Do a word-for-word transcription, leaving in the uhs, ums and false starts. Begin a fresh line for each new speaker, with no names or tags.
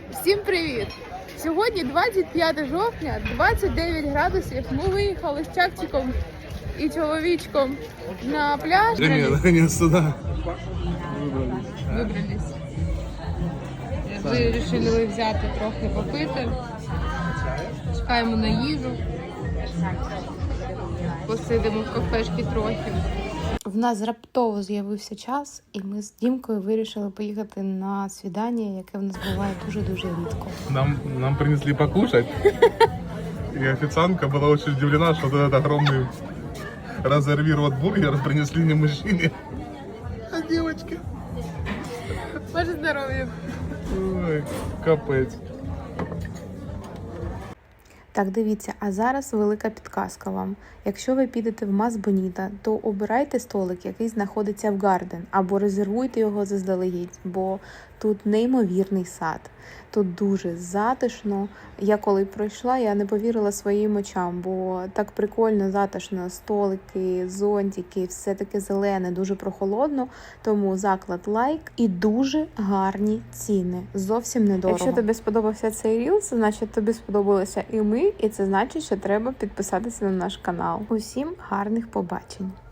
Всім привіт! Сьогодні двадцять п'яте жовтня, двадцять дев'ять градусів. Ми виїхали з Чакчиком і чоловічком на пляж.
Женя, наконец-то, да.
Вибрались. Вирішили взяти трохи попити. Чекаємо на їжу. Посидимо в кафешці трохи. В нас раптово з'явився час, і ми з Дімкою вирішили поїхати на свідання, яке в нас буває дуже-дуже рідко.
Нам, нам принесли покушать. И официантка была очень удивлена, что вот этот огромный разорвированный бургер принесли не мужчине, а девочке.
Ваше здоров'я!
Ой, капець.
Так, дивіться, а зараз велика підказка вам. Якщо ви підете в Мас Боніта, то обирайте столик, який знаходиться в Гарден, або резервуйте його заздалегідь, бо тут неймовірний сад. Тут дуже затишно. Я коли пройшла, я не повірила своїм очам, бо так прикольно, затишно, столики, зонтики, все таке зелене, дуже прохолодно, тому заклад лайк і дуже гарні ціни, зовсім недорого. Якщо тобі сподобався цей рілс, значить тобі сподобалося і ми, і це значить, що треба підписатися на наш канал. Усім гарних побачень!